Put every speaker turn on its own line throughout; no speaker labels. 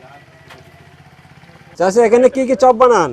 চাচা এখানে কি কি চপ বানান?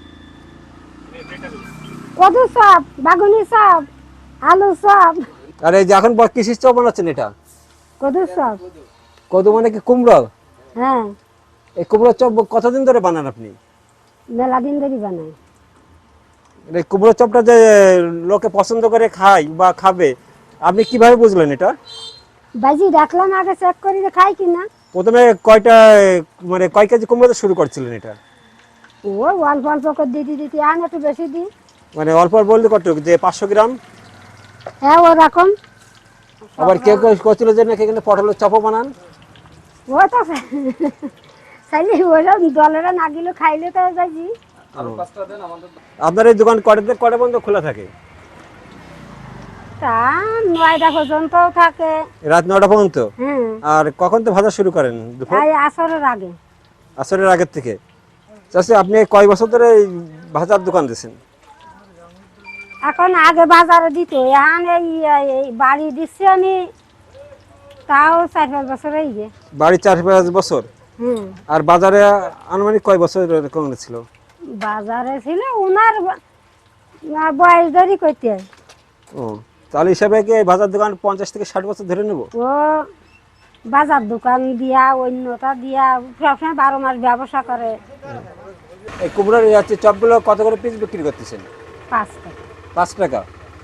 কদু চপ, বাগুনি চপ, আলু চপ,
আর এই যে এখন কিসের চপ বানাচ্ছেন এটা?
কদু চপ।
কদু মানে কি কুমড়ো?
হ্যাঁ,
এই কুমড়ো চপ কতদিন ধরে বানান আপনি?
মেলা দিন ধরে বানাই।
এই কুমড়ো চপটা যে লোকে পছন্দ করে খায় বা খাবে, আপনি কিভাবে বুঝলেন এটা?
বাজি রাখলাম আগে চেক করি যে খাই কিনা।
প্রথমে কয়টা মানে কয় কেজি কুমড়োতে শুরু করছিলেন এটা?
ও অল্প অল্প করে দিতে দিতে আন একটু বেশি দিই।
মানে অল্প অল্প বলতে কত, যে 500 গ্রাম?
হ্যাঁ ওরকম।
আবার কেউ কেউ করছিল যে নাকি এখানে পটলের চপও বানান।
ও তো চাইলে ওরা দলেরা না গেলে খাইলে তো বাজি।
আপনার এই দোকান কটা পর্যন্ত খোলা থাকে?
তা 9টা পর্যন্ত থাকে।
রাত 9টা পর্যন্ত?
হ্যাঁ,
আর কখন তো ভাজা শুরু করেন? দুপুর
এই আসরের আগে।
আসরের আগের থেকে? চাচি আপনি কয় বছর ধরে এই ভাজার দোকান দিয়েছেন?
এখন আগে বাজারে দিত, এখন এই বাড়ি দিচ্ছি আমি, তাও 4-5 বছর হয়ে গে।
বাড়ি 4-5 বছর?
হুম,
আর বাজারে আনুমানিক কয় বছর এরকম ছিল?
বাজারে ছিল উনার বয়স ধরি কইতে।
ও, তাহলে হিসাবে কি এই ভাজার দোকান 50 থেকে 60 বছর ধরে নেব?
ও বাজার দোকান দিয়া অন্যটা দিয়া সবসময় 12 মাস ব্যবসা করে।
এই কুমড়োর হচ্ছে চপগুলো কত করে পিস বিক্রি করতেছেন?
5 টাকা।
5 টাকা।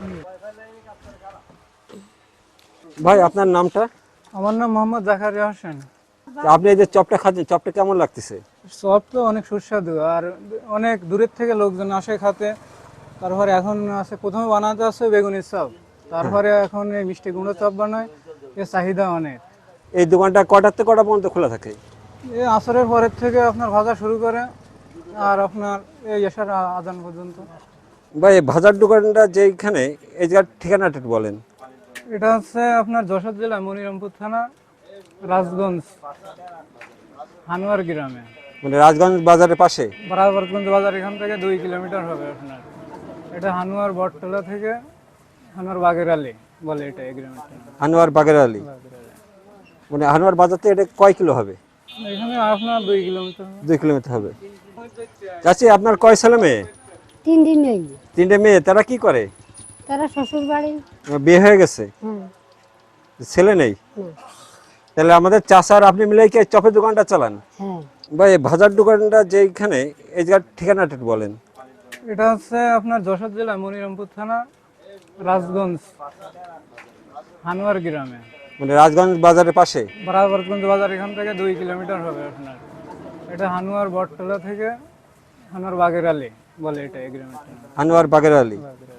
ভাই আপনার নামটা?
আমার নাম মোহাম্মদ জাকারিয়া হোসেন।
আপনি এই যে চপটা খাচ্ছেন, চপটা কেমন লাগতেছে?
চপ তো অনেক সুস্বাদু, আর অনেক দূরের থেকে লোকজন আসে খাতে। তারপরে এখন আছে, প্রথমে বানাতে আছে বেগুনের চপ, তারপরে এখন এই মিষ্টি কুমড়ো চপ বানায়। এর চাহিদা অনেক।
এই দোকানটা কটার থেকে কটা পর্যন্ত খোলা থাকে?
এই আসরের পরের থেকে আপনার ভাজা শুরু করে আর আপনার এই এশার আজান পর্যন্ত।
ভাই এই ভাজার দোকানটা যেখানে, এই জায়গার ঠিকানাটা একটু বলেন।
এটা হচ্ছে আপনার যশোর জেলা মনিরামপুর থানা, রাজগঞ্জ, হানুয়ার গ্রামে।
মানে রাজগঞ্জ বাজারের পাশে?
বরাবরগঞ্জ বাজার এখান থেকে 2 কিলোমিটার হবে আপনার। এটা হানুয়ার বটতলা থেকে হানুয়ার বাগের আলী বলে এটা এই গ্রামের।
আনোয়ার বাগের আলী। মানে আনোয়ার বাজার থেকে এটা কয় কিলো হবে?
এখানে আপনার 2 কিলোমিটার।
2 কিলোমিটার হবে। চাচি আপনার কয় ছেলে মেয়ে?
3 দিন নেই।
3টে মেয়ে, তারা কি করে?
তারা শ্বশুর বাড়ি।
বিয়ে হয়ে গেছে?
হুম,
ছেলে নেই?
হুম,
তাহলে আমাদের চাচা আর আপনি মিলে কি এই চপের দোকানটা চালান?
হ্যাঁ।
ভাই এই ভাজার দোকানটা যেখানে, এই জায়গার ঠিকানাটা একটু বলেন।
এটা হচ্ছে আপনার যশোর জেলা মনিরামপুর থানা, রাজগঞ্জ, হানুয়ার গ্রামে।
মানে রাজগঞ্জ বাজারের পাশে?
বরাবরগঞ্জ বাজার এখান থেকে 2 কিলোমিটার হবে আপনার। এটা হানুয়ার বটতলা থেকে হানুয়ার বাগের আলী বলে এটা এই গ্রামের।
আনোয়ার বাগের আলী।